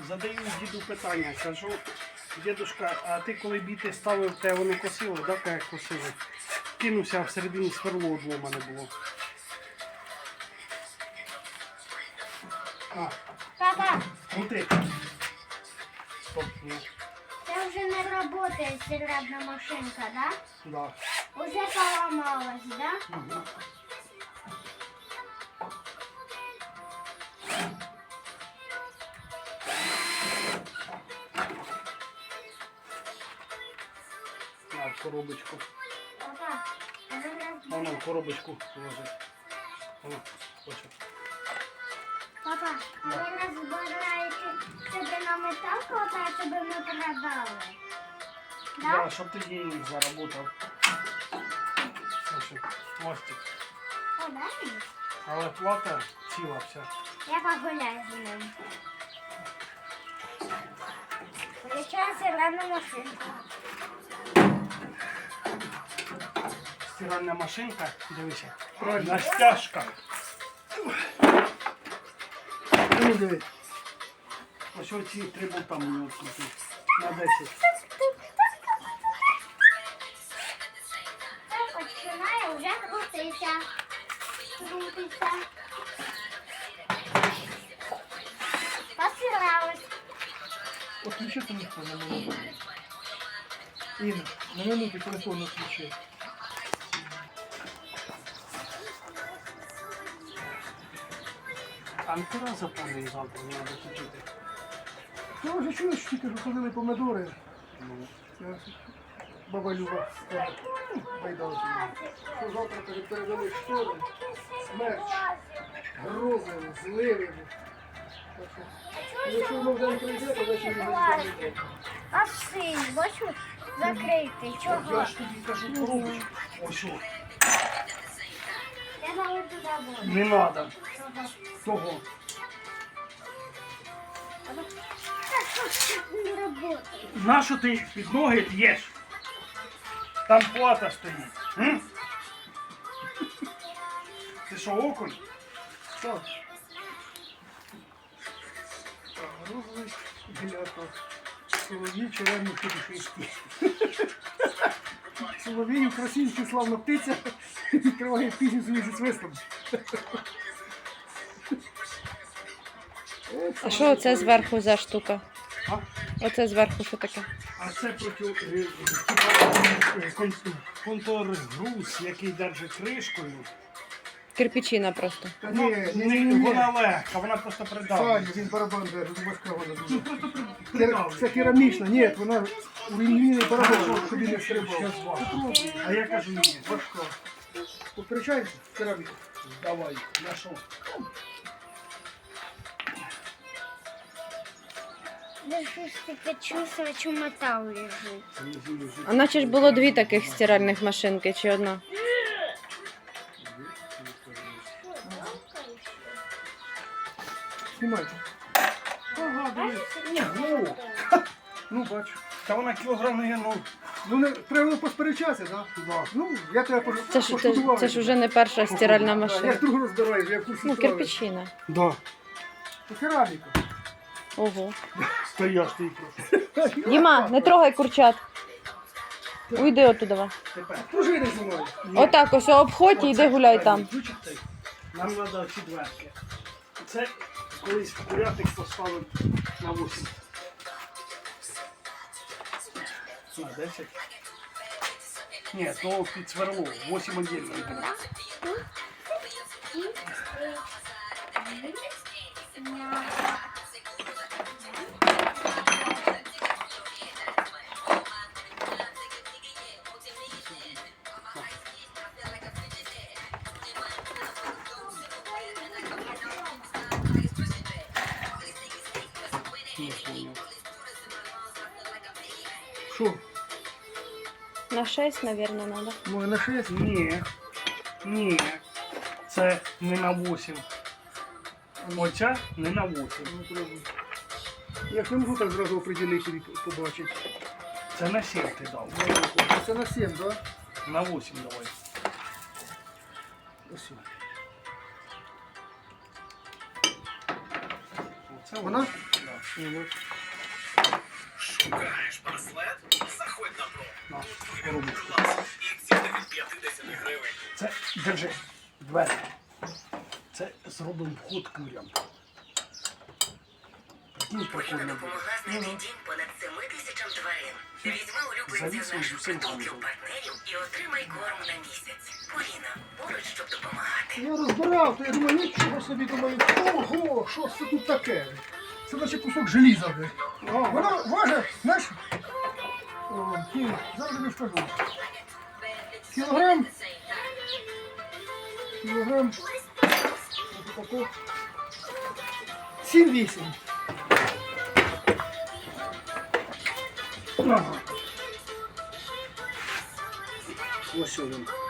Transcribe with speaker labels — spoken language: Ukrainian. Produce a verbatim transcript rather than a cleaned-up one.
Speaker 1: задаю діду питання, кажу, дідушка, а ти коли біти ставив, те воно косило, да, як косило? Кинувся, а всередині сверло одломане було. А,
Speaker 2: Папа,
Speaker 1: крути. Стоп, ні.
Speaker 2: це вже не працює стиральна машинка, да?
Speaker 1: Да.
Speaker 2: Уже поламалась, да?
Speaker 1: Угу. На, в коробочку.
Speaker 2: Папа, а ви раз...
Speaker 1: Воно в коробочку ложи. Воно, хоче.
Speaker 2: Папа, а ви розбираєте себе на метал, хватає, щоб ми продали?
Speaker 1: Да,
Speaker 2: Да?
Speaker 1: щоб ти денег заработав. Слушай, мостик.
Speaker 2: О, да? мені?
Speaker 1: Але плата ціла вся.
Speaker 2: Я погуляю з ним. Включаю стиральну машинку.
Speaker 1: Стиральна машинка, дивися. На стяжках.
Speaker 3: Ну, дивись.
Speaker 1: Ось оці три болта мені відкрути. На десять.
Speaker 2: Так, починає вже крутитися. Крутиться. Постиралась.
Speaker 3: Отключи телефон на минуту. Інна, на минуту телефон отключи.
Speaker 1: Антира заповнює завтра, не треба включити.
Speaker 3: Ти вже чуєш, тільки що ходили помидори.
Speaker 1: Ну,
Speaker 3: Це Баба Люба скаже, байдалки. Що завтра каже, передали штори, смерч, грози, зливи. Так що, якщо воно вже не прийде, то вечір не буде.
Speaker 2: А синь, бачу, закритий.
Speaker 1: я
Speaker 2: Чого?
Speaker 1: ж тобі кажу коробочку. Ось о.
Speaker 2: Я навіть туди буду.
Speaker 1: Не треба.
Speaker 2: Чого?
Speaker 1: Того.
Speaker 2: Так, що це не працює?
Speaker 1: Нащо ти під ноги п'єш? Там плата стоїть. М? Ти що, окунь?
Speaker 3: Так. Грози, біляка. Соловій, червоні шишки. Соловій, українська славна птиця, відкриває пісню свою зі свистом.
Speaker 4: А що оце зверху за штука?
Speaker 1: А?
Speaker 4: Оце зверху що таке?
Speaker 1: А це проти е, е, кон- контргруз, який держить кришкою.
Speaker 4: Кирпичина просто.
Speaker 3: Та
Speaker 1: Ну,
Speaker 3: ні, ні,
Speaker 1: не-
Speaker 3: ні, ні.
Speaker 1: вона легка, вона просто
Speaker 3: Саня,
Speaker 1: придавлює.
Speaker 3: він барабан держить, важка вона
Speaker 1: Ну
Speaker 3: дуже.
Speaker 1: просто при-
Speaker 3: Кер- Це
Speaker 1: придавлює.
Speaker 3: керамічна, ні, вона урівнений барабан, щоб він не стрибав.
Speaker 1: Щас важко. А я кажу, ні,
Speaker 3: Важка. Поперечаєшся? Кераміка.
Speaker 1: давай, на що?
Speaker 2: Я щось таке чувствую, що метал лежить.
Speaker 4: А наче ж було дві таких стиральних машинки чи одна?
Speaker 3: Знімайте.
Speaker 1: Ага, дивись. Ні, ну,
Speaker 3: Ну, бачу.
Speaker 1: та вона кілограм не, ну,
Speaker 3: Ну, не, треба було посперечатися, так?
Speaker 1: да.
Speaker 3: Ну, я тебе пож...
Speaker 4: Це ж, це,
Speaker 3: пошкодував.
Speaker 4: це ж вже не перша стиральна
Speaker 3: Я
Speaker 4: машина.
Speaker 3: ж другу розбираю, я в курсі
Speaker 4: Ну,
Speaker 3: справи.
Speaker 4: кирпичина.
Speaker 1: Да.
Speaker 3: Це кераміка.
Speaker 4: Ого.
Speaker 1: Стояш ти просто.
Speaker 4: Діма, не трогай курчат. Уйди оттуда.
Speaker 1: Тепер.
Speaker 3: Пружини зі мною.
Speaker 4: Отак ось обходь і йди гуляй там.
Speaker 1: Ключик цей. Нам треба ці дверки. Це колись курятник поставив на вісім. На десять. Ні, то під сверло. вісім отдельно. Не понял.
Speaker 3: Що?
Speaker 4: На шесть, мабуть, треба.
Speaker 3: Може на шесть?
Speaker 1: Ні. Ні. Це не на вісім. Оця не на вісім.
Speaker 3: Ну, треба. Я ж не можу так зразу определити і побачити.
Speaker 1: Це на сім ти дав.
Speaker 3: Це на сім, так? Да?
Speaker 1: На вісім давай.
Speaker 3: Ось.
Speaker 1: Оце
Speaker 3: Вона?
Speaker 1: ось. Да. Мгм.
Speaker 5: Шукаєш браслет? Заходь на про.
Speaker 1: На,
Speaker 5: Вибір
Speaker 1: коробочку.
Speaker 5: клас. І ціни від п'ятдесят гривень.
Speaker 1: Це, держи, двері. Це зробимо вход курям. Ну,
Speaker 6: Поліна
Speaker 1: прикольно буде.
Speaker 6: допомогла знайти дім понад семи тисячам тварин. Візьми улюбленців
Speaker 1: Завісимо
Speaker 6: наших
Speaker 1: всім
Speaker 6: притулків
Speaker 1: разом.
Speaker 6: партнерів і отримай корм на місяць. Поліна, поруч, щоб допомагати.
Speaker 3: Я розбирав, то я думаю, нічого собі думаю, ого, що це тут таке? Це наче кусок желіза. бля. Воно важить, знаєш? О, ні, зараз тобі скажу. Кілограм. Кілограм. Ось тако. сім-вісім.
Speaker 1: Ага. Ось він.